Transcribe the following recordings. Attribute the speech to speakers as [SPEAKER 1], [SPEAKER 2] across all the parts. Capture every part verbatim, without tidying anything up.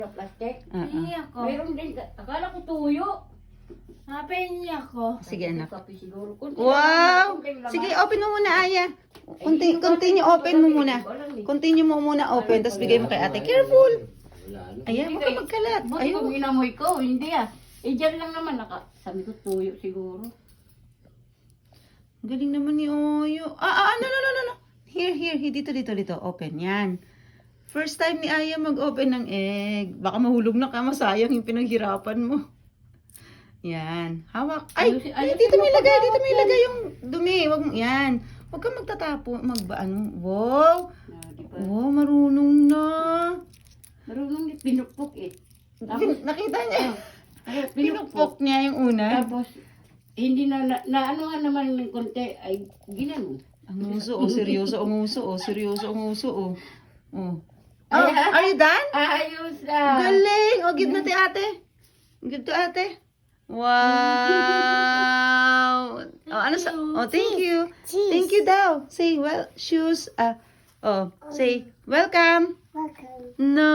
[SPEAKER 1] Plastic.
[SPEAKER 2] Ah, ah.
[SPEAKER 3] Pahingi ako.
[SPEAKER 1] Mayroon din. Akala ko tuyo.
[SPEAKER 3] Ah, pahingi ako.
[SPEAKER 2] Sige, anak.
[SPEAKER 1] Kape siguro. Kunti
[SPEAKER 2] Wow!
[SPEAKER 1] lang, kunting laman.
[SPEAKER 2] Sige, open mo muna, Aya.
[SPEAKER 1] Eh,
[SPEAKER 2] Conti-
[SPEAKER 1] hindi ko
[SPEAKER 2] continue,
[SPEAKER 1] alam,
[SPEAKER 2] open
[SPEAKER 1] hindi
[SPEAKER 2] mo
[SPEAKER 1] ko
[SPEAKER 2] muna.
[SPEAKER 1] alam, hindi ko alam eh.
[SPEAKER 2] Continue mo muna open, tapos bigay mo kay ate. Careful! Ayan,
[SPEAKER 1] Hindi
[SPEAKER 2] huwag ka
[SPEAKER 1] kayo-
[SPEAKER 2] magkalat.
[SPEAKER 1] Buti kung
[SPEAKER 2] Ayun.
[SPEAKER 1] inamoy ko, hindi ah. Eh, dyan lang naman, naka, sabi ko tuyo siguro.
[SPEAKER 2] Galing naman ni Oyo. Ah, ah, no, no, no, no, no. Here, here, here. Dito, dito, dito. Open. Yan. First time ni Aya mag-open ng egg. Baka mahulog na ka. Masayang yung pinaghirapan mo. Yan. Hawak. Ay,
[SPEAKER 1] Ayusin-
[SPEAKER 2] ay,
[SPEAKER 1] ayusin
[SPEAKER 2] dito
[SPEAKER 1] mo
[SPEAKER 2] may
[SPEAKER 1] pa
[SPEAKER 2] lagay.
[SPEAKER 1] ba
[SPEAKER 2] Dito may
[SPEAKER 1] open?
[SPEAKER 2] lagay yung dumi. Wag mo. Yan. Huwag kang magtatapo. Magba, ano. Wow.
[SPEAKER 1] Ah, di ba?
[SPEAKER 2] Wow, marunong na.
[SPEAKER 1] Marunong ni pinupok eh. Tapos,
[SPEAKER 2] Pin- Nakita niya.
[SPEAKER 1] ay,
[SPEAKER 2] Pinupok niya yung una.
[SPEAKER 1] Tapos, hindi na, na, na ano nga naman ng konti, ay ginano.
[SPEAKER 2] Ang uso, oh. Seryoso ang uso, oh. Seryoso ang uso, oh. Oh. Oh,
[SPEAKER 1] Ay,
[SPEAKER 2] are you done?
[SPEAKER 1] Ayos ah.
[SPEAKER 2] Galing! O, give na ti ate. Give to ate. Wow! Oh, ano sa... Oh, thank you. Thank you daw. Say, well, shoes. Ah, oh, say, welcome. No.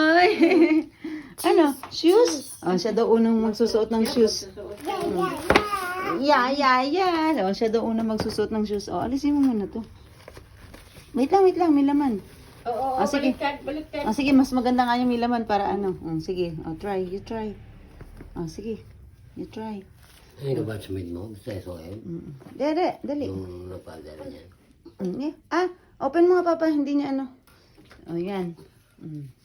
[SPEAKER 2] Ano? Shoes? Oh, siya daw unang magsusuot ng shoes. Yeah, yeah, yeah. Oh, siya daw unang magsusuot ng shoes. Oh, alisin mo muna to. Wait lang, wait lang. May laman.
[SPEAKER 1] Oo,
[SPEAKER 2] Ah, sige.
[SPEAKER 1] baliktad, baliktad.
[SPEAKER 2] Ah, sige, mas maganda nga yung may laman para ano. Mm, sige, oh, try, you try. Ah, sige, you try.
[SPEAKER 4] Ano ka ba sa mid mo? Basta so yun?
[SPEAKER 2] Mm. Dere, dali.
[SPEAKER 4] Yung napadala niya.
[SPEAKER 2] Mm, yeah. Ah, open mo nga papa, hindi niya ano. Oh, yan. Mm.